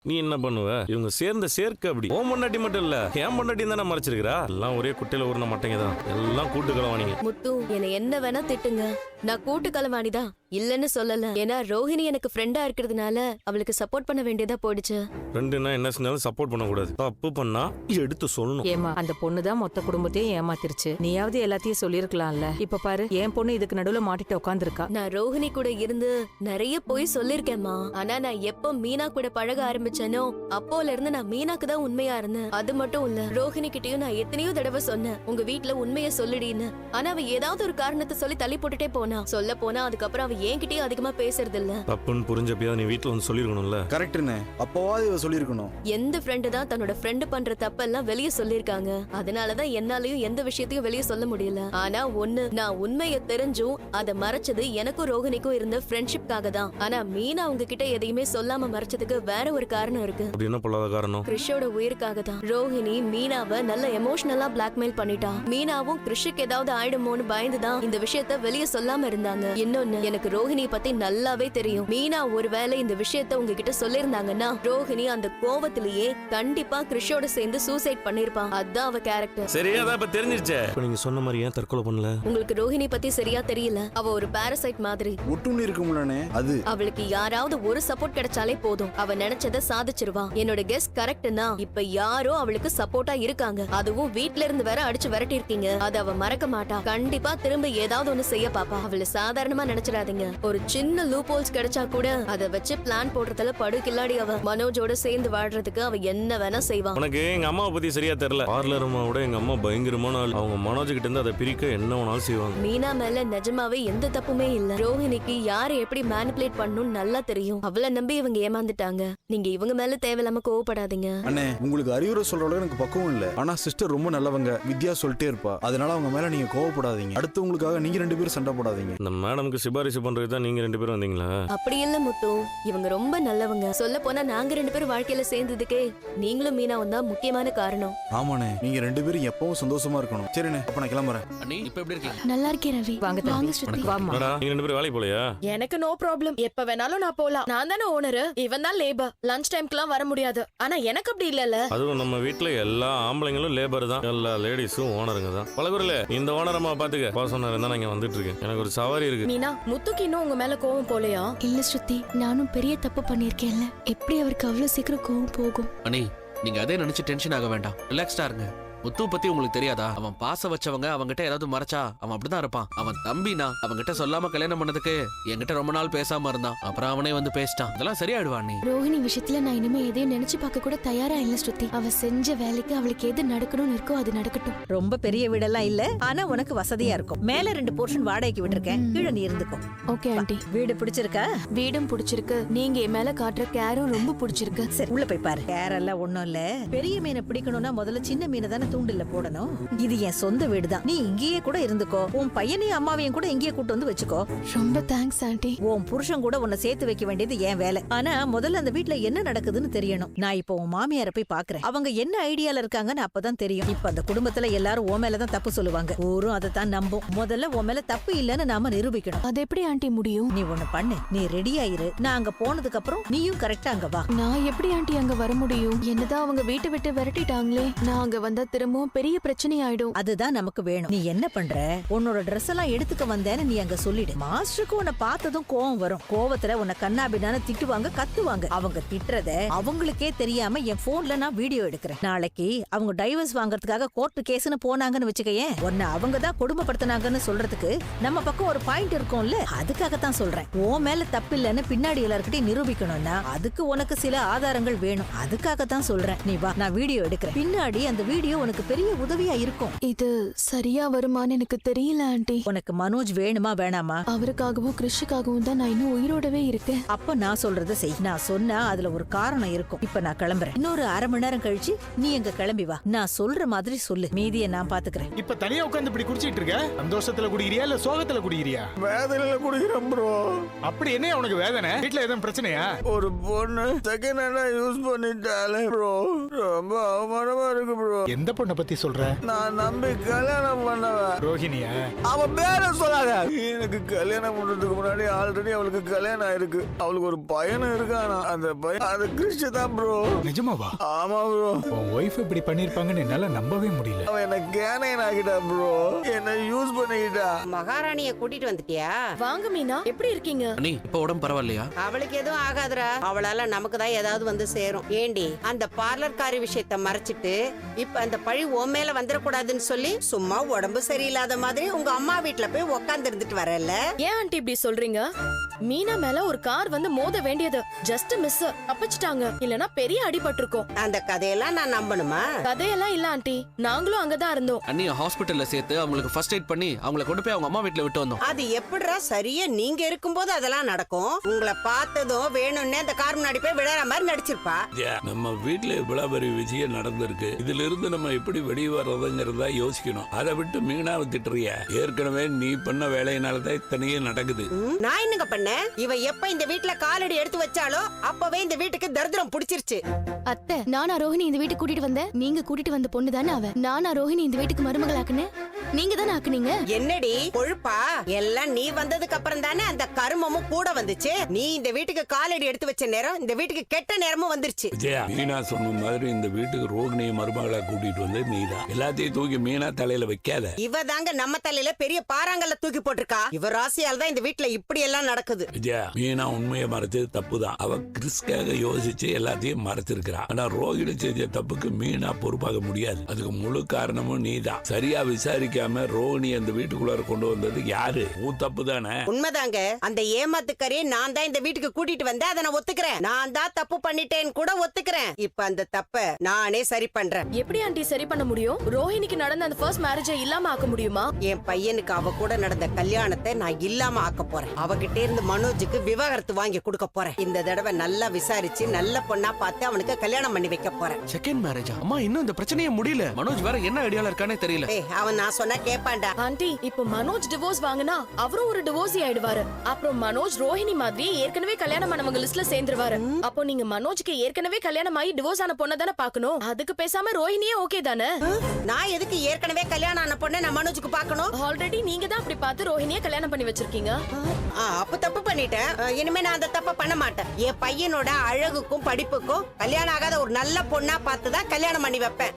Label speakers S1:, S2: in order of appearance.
S1: நீ என்ன பண்ணுவ? இவங்க சேர்ந்த சேர்க்க அப்படி. ஓம் பொண்டாட்டி மட்டும் இல்ல, என் பொண்டாட்டி தானே மறைச்சிருக்கிறா. எல்லாம் ஒரே குட்டையில ஊர்ன மாட்டேங்க தான். எல்லாம் கூட்டு கலவாணிங்க.
S2: முத்து என்ன என்ன வேணா திட்டுங்க, நான் கூட்டு கலவாணிதான் இல்லன்னு சொல்லல. ஏன்னா ரோஹிணி எனக்கு ஃப்ரெண்டா இருக்கிறதுனால அவளுக்கு சப்போர்ட் பண்ண வேண்டியதா போயிடுச்சு.
S1: ஃப்ரெண்டுனா என்ன சொன்னாலும் சப்போர்ட் பண்ண கூடாது. தப்பு பண்ணா எடுத்து சொல்லணும்.
S3: ஏமா அந்த பொண்ணுதான் மொத்த குடும்பத்தையும் ஏமாத்திருச்சு. நீயாவது எல்லாத்தையும் சொல்லிருக்கலாம்ல. இப்ப பாரு என் பொண்ணு இதுக்கு நடுவுல மாட்டிட்டு உட்காந்துருக்கா.
S2: நான் ரோஹிணி கூட இருந்து நிறைய போய் சொல்லிருக்கேன்மா. ஆனா நான் எப்ப மீனா கூட பழக ஆரம்பிச்சேனோ அப்போல இருந்து நான் மீனாக்கு தான் உண்மையா இருந்தேன். அது மட்டும் இல்ல, ரோஹிணி கிட்டயும் நான் எத்தனையோ தடவை சொன்னேன் உங்க வீட்டுல உண்மைய சொல்லிடின்னு. ஆனா அவ ஏதாவது ஒரு காரணத்தை சொல்லி தள்ளி போட்டுட்டே போனா. சொல்ல போனா அதுக்கப்புறம் அவ என்கிட்டயும் அதிகமா பேசுறது இல்ல.
S1: தப்புன்னு புரிஞ்சப்பயா நீ வீட்டுல வந்து சொல்லிருக்கணும்ல.
S4: கரெக்ட்னே, அப்பவாது இவ சொல்லிருக்கணும்.
S2: எந்த ஃப்ரெண்டு தான் தன்னோட ஃப்ரெண்டு பண்ற தப்பெல்லாம் வெளிய சொல்லிருக்காங்க. அதனாலதான் என்னாலயும் எந்த விஷயத்தையும் வெளிய சொல்ல முடியல. ஆனா ஒண்ணு, நான் உண்மைய தெரிஞ்சும் அதை மறைச்சது எனக்கும் ரோஹிணிக்கும் இருந்த ஃப்ரெண்ட்ஷிப்காக தான். ஆனா மீனா உங்ககிட்ட எதையுமே சொல்லாம மறைச்சதுக்கு வேற ஒரு காரணம் இருக்கு.
S1: அப்படி என்ன பொல்லாத காரணம்?
S2: கிறிஷோட உயிருக்காக தான். ரோஹிணி மீனாவை நல்ல எமோஷனலா பிளாக்மெயில் பண்ணிட்டா. மீனாவும் கிறிஷுக்கு ஏதாவது ஆயிடுமோன்னு பயந்துதான் இந்த விஷயத்த வெளிய சொல்லாம இருந்தாங்க. இன்னொன்னு, எனக்கு ரோஹிணி பத்தி நல்லாவே தெரியும். மீனா ஒருவேளை இந்த விஷயத்த உங்ககிட்ட சொல்லிருந்தாங்கன்னா ரோஹிணி அந்த கோவத்திலேயே கண்டிப்பா கிறிஷோட சேர்ந்து சூசைட் பண்ணிருப்பான். அதான் அவ கேரக்டர்.
S1: சரியா தான் இப்ப தெரிஞ்சிருச்சே. நீங்க சொன்ன மாதிரி ஏன் தற்கொலை பண்ணல?
S2: உங்களுக்கு ரோஹிணி பத்தி சரியா தெரியல. அவ ஒரு பாரசைட் மாதிரி.
S4: ஒட்டுன்னு இருக்கும்லனே அது.
S2: அவளுக்கு யாராவது ஒரு சப்போர்ட் கிடைச்சாலே போதும், அவ நினைச்சத சாதிச்சிருவா. என்னோட கெஸ் கரெக்ட்னா இப்ப யாரோ அவளுக்கு சப்போர்ட்டா இருக்காங்க. அதுவும் வீட்ல இருந்து வேற அடிச்சு விரட்டி இருக்கீங்க. அது அவ மறக்க மாட்டா. கண்டிப்பா திரும்ப ஏதாவது ஒண்ணு செய்ய பாப்பா. அவளை சாதாரணமா நினைச்சிடாதீங்க. ஒரு சின்ன லூப் ஹோல்ஸ் கிடைச்சா கூட அதை வச்சு பிளான் போடுறதுல படு கில்லாடி அவ. மனோஜோட சேர்ந்து வாழ்றதுக்கு அவ என்ன வேணா செய்வா.
S1: உனக்கு எங்க அம்மாவை பத்தி சரியா தெரியல. பார்லர் அம்மாவோட எங்க அம்மா பயங்கரமான ஆள். அவங்க மனோஜ் கிட்ட இருந்து அதை பிரிக்க என்ன வேணாலும் செய்வாங்க.
S2: மீனா மேல நிஜமாவே எந்த தப்புமே இல்ல. ரோஹிணிக்கு யாரை எப்படி மேனிபுலேட் பண்ணணும்னு நல்லா தெரியும். அவளை நம்பி இவங்க ஏமாந்துட்டாங்க. நீங்க இவங்க மேல தேவையில்லாம கோவப்படாதீங்க.
S4: அண்ணே, உங்களுக்கு அறிவுரை சொல்ற அளவுக்கு எனக்கு பக்குவம் இல்ல. ஆனா சிஸ்டர் ரொம்ப நல்லவங்க. வித்யா சொல்லிட்டே இருப்பா. அதனால அவங்க மேல நீங்க கோவப்படாதீங்க. அடுத்தவங்களுக்காக நீங்க ரெண்டு பேரும் சண்டை போடாதீங்க.
S1: இந்த மேடமுக்கு சிபாரிசு பண்றது தான் நீங்க ரெண்டு பேரும் வந்தீங்களா?
S2: அப்படி இல்ல முத்து, இவங்க ரொம்ப நல்லவங்க. சொல்ல போனா நாங்க ரெண்டு பேரும் வாழ்க்கையில சேர்ந்ததுக்கே நீங்களும் மீனாவும் தான் முக்கியமான காரணம்.
S4: ஆமாண்ணே, நீங்க ரெண்டு பேரும் எப்பவும் சந்தோஷமா இருக்கணும். சரிண்ணே, அப்ப நான் கிளம்புறேன்.
S5: அண்ணி இப்ப எப்படி இருக்கீங்க?
S2: நல்லா இருக்கேன் ரவி.
S3: வாங்க தம்பி. வாமா.
S1: என்னடா நீங்க ரெண்டு பேரும் வேலைக்கு போலையா?
S6: எனக்கு நோ ப்ராப்ளம், எப்ப வேணாலும் நான் போலாம். நான் தானே ஓனர், இவன் தான் லேபர். லஞ்ச் டைம்க்குலாம் வர முடியாது. ஆனா எனக்கு அப்படி இல்லல.
S1: அதுவும் நம்ம வீட்டுல எல்லா ஆம்பளைங்களும் லேபர் தான். எல்லா லேடிஸும் ஓனருங்க தான். பழகுறல இந்த ஓனர் அம்மா பாத்துக்க. பாசனர் இருந்தா நான் இங்க வந்துட்டு இருக்கேன். எனக்கு ஒரு சவாரி இருக்கு.
S6: மீனா, முத்துக்கு இன்னும் உங்க மேல கோவம் போலையா?
S7: இல்ல ஸ்ருதி, நானும் பெரிய தப்பு பண்ணிருக்கேன்ல. எப்படி அவருக்கு அவ்வளவு சீக்கிரம் கோவம் போகும்?
S5: அண்ணி நீங்க அதே நினைச்சு டென்ஷன் ஆக வேண்டாம். ரிலாக்ஸ்டா இருங்க. முத்து பத்தி உங்களுக்கு தெரியாதா? அவன் பாச வச்சவங்க அவங்கிட்ட ஏதாவது மறைச்சா அவன் அப்படிதான் இருப்பான். அவன் தம்பினா அவங்கிட்ட சொல்லாம கல்யாணம் பண்ணதுக்கு என்கிட்ட ரொம்ப நாள் பேசாம இருந்தான். அப்புறம் அவனே வந்து பேசிட்டான். அதெல்லாம் சரியாயிடுவான். நீ
S7: ரோஹிணி விஷயத்துல நான் இனிமே எதையும் நினைச்சு பார்க்க கூட தயாரா இல்ல ஸ்ருதி. அவ செஞ்ச வேலைக்கு அவளுக்கு எது நடக்கணும்னு இருக்கோ அது நடக்கட்டும்.
S8: ரொம்ப பெரிய வீடெல்லாம் இல்ல, ஆனா உனக்கு வசதியா இருக்கும். மேல 2 போர்ஷன் வாடகைக்கு விட்டுருக்கேன். கீழே நீ இருந்துக்கோ.
S7: Okay aunty.
S8: வீடு பிடிச்சிருக்கா?
S7: வீடும் பிடிச்சிருக்கு. நீங்க என் மேல காட்டுற கேரும் ரொம்ப பிடிச்சிருக்கு.
S8: சரி, உள்ள போய் பாரு. கேர் எல்லாம் ஒண்ணும் இல்ல. பெரிய மீனை பிடிக்கணும்னா முதல்ல சின்ன மீனை தானே தூண்டில்ல போடணும். இது என் சொந்த வீடுதான். நீ இங்கேயே கூட இருந்துக்கோ. உன் பையனையும் அம்மாவையும் கூட இங்கேயே கூட்டு வந்து வச்சுக்கோ.
S7: ரொம்ப தேங்க்ஸ் ஆண்டி.
S8: உன் புருஷன் கூட உன்னை சேர்த்து வைக்க வேண்டியது என் வேலை. ஆனா முதல்ல அந்த வீட்ல என்ன நடக்குதுன்னு தெரியணும். நான் இப்போ உன் மாமியாரை போய் பாக்குறேன். அவங்க என்ன ஐடியால இருக்காங்கன்னு அப்பதான் தெரியும். இப்ப அந்த குடும்பத்துல எல்லாரும் உன் மேலதான் தப்பு சொல்லுவாங்க. ஊரும் அதை தான் நம்பும். முதல்ல உன் மேல தப்பு இல்லன்னு நாம நிரூபிக்கணும்.
S7: அது எப்படி ஆண்டி முடியும்?
S8: நீ ஒண்ணு பண்ணு. நீ ரெடியா இரு. நான் அங்க போனதுக்கு அப்புறம் நீயும் கரெக்டா அங்க வா.
S7: நான் எப்படி ஆண்டி அங்க வர முடியும்? என்னதான் அவங்க வீட்டை விட்டு விரட்டிட்டாங்களே. நான் அங்க வந்தா திரும்பவும் பெரிய பிரச்சனை ஆயிடும்.
S8: அதுதான் நமக்கு வேணும். நீ என்ன பண்ற? உன்னோட ட்ரெஸ் எல்லாம் எடுத்துக்க வந்தேன்னு நீ அங்க சொல்லிடு. மாஸ்டருக்கு உன்னை பார்த்ததும் கோவம் வரும். கோவத்துல உன்னை கண்ணாபின்னான திட்டுவாங்க, கத்துவாங்க. அவங்க திட்டுறத அவங்களுக்கே தெரியாம என் போன்ல நான் வீடியோ எடுக்கிறேன். நாளைக்கு அவங்க டைவர்ஸ் வாங்குறதுக்காக கோர்ட்டு கேஸ்னு போனாங்கன்னு வச்சுக்கேன். உன்னை அவங்க தான் கொடுமைப்படுத்தினாங்கன்னு சொல்றதுக்கு நம்ம பக்கம் ஒரு பாயிண்ட் இருக்கும்ல. அதுக்காகத்தான் சொல்றேன். உன் மேல தப்பு இல்லன்னு பின்னாடி எல்லார்கிட்டயும் நிரூபிக்கணும்னா அதுக்கு உனக்கு சில ஆதாரங்கள் வேணும். அதுக்காகத்தான் சொல்றேன். நீ வா, நான் வீடியோ எடுக்கிறேன். பின்னாடி அந்த வீடியோ உனக்கு பெரிய உதவியா இருக்கும்.
S7: இது சரியா வருமான்னு எனக்கு தெரியல ஆண்டி.
S8: உனக்கு மனோஜ் வேணுமா வேணாமா?
S7: அவருக்காகவும் கிறிஷுக்காகவும் தான் நான் இன்னும் உயிரோடவே இருக்கேன்.
S8: அப்ப நான் சொல்றத செய். நான் சொன்னா அதுல ஒரு காரணம் இருக்கும். இப்ப நான் கிளம்புறேன். இன்னொரு 1/2 மணி நேரம் கழிச்சு நீ எங்க கிளம்பி வா. நான் சொல்ற மாதிரி சொல்லு. மீதியை நான் பாத்துக்கிறேன்.
S9: இப்ப தனியா உட்கார்ந்து இப்படி குடிச்சிட்டு இருக்க? சந்தோஷத்துல குடிக்கிறியா இல்ல சோகத்துல குடிக்கிறியா?
S4: வேதனையில குடிக்கிறேன் ப்ரோ.
S9: அப்படி என்ன உனக்கு வேதனை? வீட்ல எதுவும் பிரச்சனையா?
S4: ஒரு பொண்ணு செகண்ட் ஹேண்டா யூஸ் பண்ணிட்டாலே ப்ரோ. ரொம்ப அவமானமா இருக்கு ப்ரோ.
S9: எந்த பொண்ணை பத்தி சொல்ற?
S10: நான் நம்பி கல்யாணம் பண்ணவன்
S9: ரோஹிணியா?
S10: அவன் பேர சொல்லாத. எனக்கு கல்யாணம் பண்றதுக்கு முன்னாடி ஆல்ரெடி அவளுக்கு கல்யாணம் ஆயிருக்கு. அவளுக்கு ஒரு பையனும் இருக்கானா. அந்த பையன் அது கிறிஸ்து தான் ப்ரோ.
S9: நிஜமாவா?
S10: ஆமா ப்ரோ.
S9: உன் ஒய்ஃப் இப்படி பண்ணிருப்பாங்கன்னு என்னால நம்பவே முடியல.
S10: அவன் என்ன கேனைன் ஆகிட்டா ப்ரோ. என்ன யூஸ் பண்ணிக்கிட்டா.
S11: மகாராணிய கூட்டிட்டு வந்துட்டியா?
S6: வாங்க மீனா, எப்படி இருக்கீங்க?
S5: அண்ணி இப்ப உடம்பு பரவாயில்லையா?
S11: அவளுக்கு எதுவும் ஆகாதுடா. அவளால நமக்கு தான் ஏதாவது வந்து சேரும். ஏண்டி அந்த பார்லர்காரி விஷயத்த மறைச்சிட்டு இப்ப அந்த பழி உன் மேல வந்துடக்கூடாதுன்னு சொல்லி சும்மா உடம்பு சரியில்லாத மாதிரி உங்க அம்மா வீட்டுல போய் உக்காந்து இருந்துட்டு வரல.
S6: ஏன் ஆண்டி இப்படி சொல்றீங்க? மீனா மேல ஒரு கார் வந்து மோத வேண்டியது ஜஸ்ட் மிஸ். தப்பிச்சிட்டாங்க, இல்லனா பெரிய அடிபட்டிருக்கும்.
S11: அந்த கதையெல்லாம் நான் நம்பணுமா?
S6: கதையெல்லாம் இல்ல ஆண்டி, நாங்களும் அங்கதான் இருந்தோம்.
S5: அண்ணிய ஹாஸ்பிட்டல்ல சேர்த்து அவங்களுக்கு ஃபர்ஸ்ட் எய்ட் பண்ணி அவங்கள கொண்டு போய் அவங்க அம்மா வீட்டுல விட்டு வந்தோம்.
S11: அது எப்படிடா சரியா நீங்க இருக்கும்போது அதெல்லாம் நடக்கும்? உங்களை பார்த்ததும் வேணும்னே அந்த கார் முன்னாடி போய் விழற மாதிரி நடிச்சிருப்பா.
S12: நம்ம வீட்டுல இவ்வளவு பெரிய விஷயம் நடந்திருக்கு. இதுல இருந்து நம்ம எப்படி வெளியே வர்றதுங்கிறதா யோசிக்கணும். அதை விட்டு மீனாவை திட்டுறிய. ஏற்கனவே நீ பண்ண வேலையினாலதான் இத்தனையே நடக்குது.
S11: நான் என்னங்க பண்ணேன்? இவ எப்ப இந்த வீட்டுல காலடி எடுத்து வச்சாலோ அப்பவே இந்த வீட்டுக்கு தரித்திரம் பிடிச்சிருச்சு.
S7: அத்தை, நானா ரோஹிணி இந்த வீட்டுக்கு கூட்டிட்டு வந்தேன்? நீங்க கூட்டிட்டு வந்த பொண்ணு தானே அவ. நானா ரோஹிணி இந்த வீட்டுக்கு மருமகள் ஆக்குனேன்? நீங்க தானே ஆக்குனீங்க.
S11: என்னடி கொழுப்பா? எல்லாம் நீ வந்ததுக்கு அப்புறம் தானே அந்த கருமமும் கூட வந்துச்சு. நீ இந்த வீட்டுக்கு காலடி எடுத்து வச்ச நேரம் இந்த வீட்டுக்கு கெட்ட நேரமும் வந்துருச்சு.
S12: விஜயா, மீனா சொன்ன மாதிரி இந்த வீட்டுக்கு ரோகிணியை மருமகளா கூட்டிட்டு வந்து நீதான் எல்லாத்தையும் தூக்கி மீனா தலையில வைக்காத.
S11: இவ தாங்க நம்ம தலையில பெரிய பாறாங்கல்ல தூக்கி போட்டிருக்கா. இவ ராசியால் தான் இந்த வீட்டுல இப்படி எல்லாம் நடக்குது.
S12: விஜயா, மீனா உண்மையை மறைச்சது தப்புதான். அவ கிறிஸ்காக யோசிச்சு எல்லாத்தையும் மறைச்சிருக்கிறா. ஆனா ரோகிணி செஞ்ச தப்புக்கு மீனா பொறுப்பாக முடியாது. அதுக்கு முழு காரணமும் நீதான். சரியா விசாரிக்காம ரோகிணி அந்த வீட்டுக்குள்ளார கொண்டு வந்தது யாரு? உன் தப்பு தானே?
S11: உண்மைதாங்க. அந்த ஏமாத்துக்காரியை நான் தான் இந்த வீட்டுக்கு கூட்டிட்டு வந்தேன். அதை நான் ஒத்துக்கிறேன். நான் தான் தப்பு பண்ணிட்டேன்னு கூட ஒத்துக்கிறேன். இப்ப அந்த தப்ப நானே சரி பண்றேன்.
S6: எப்படி ஆண்டி சரி பண்ண முடியும்? ரோஹிணிக்கு நடந்த அந்த ஃபர்ஸ்ட் மேரேஜை இல்லாம ஆக்க முடியுமா?
S11: என் பையனுக்கு அவ கூட நடந்த கல்யாணத்தை நான் இல்லாம ஆக்க போறேன். அவகிட்ட இருந்து மனோஜுக்கு விவாகரத்து வாங்கி கொடுக்க போறேன். இந்த தடவை நல்லா விசாரிச்சு நல்ல பொண்ணா பார்த்து அவனுக்கு கல்யாணம் பண்ணி வைக்க போறேன்.
S5: செகண்ட் மேரேஜா? அம்மா இன்னும் இந்த பிரச்சனையே முடியல. மனோஜ் வேற என்ன ஐடியால இருக்கானே தெரியல.
S11: அவன் நான் சொன்னா கேப்பான்டா.
S6: ஆண்டி, இப்போ மனோஜ் டிவோர்ஸ் வாங்கினா அவரும் ஒரு டிவோர்ஸி ஆயிடுவாரு. அப்புறம் மனோஜ் ரோஹிணி மாதிரி ஏற்கனவே கல்யாணம் பண்ணவங்க லிஸ்ட்ல சேர்ந்துருவாரு. அப்போ நீங்க மனோஜ்க்கு ஏற்கனவே கல்யாணம் ஆகி டிவோர்ஸ் ஆன பொண்ணை தானே பாக்கணும். அதுக்கு பேசாம ரோஹிணியே ஓகே தானே?
S11: நான் எதுக்கு ஏற்கனவே கல்யாணம் ஆன பொண்ணை நான் மனோஜுக்கு பாக்கணும்?
S6: ஆல்ரெடி நீங்க தான் அப்படி பார்த்து ரோஹிணியை கல்யாணம் பண்ணி வச்சிருக்கீங்க.
S11: அப்ப தப்பு பண்ணிட்டேன். இனிமே நான் அந்த தப்ப பண்ண மாட்டேன். என் பையனோட அழகுக்கும் படிப்புக்கும் கல்யாணம் ஆகாத ஒரு நல்ல பொண்ணா பார்த்து தான் கல்யாணம் பண்ணி வைப்பேன்.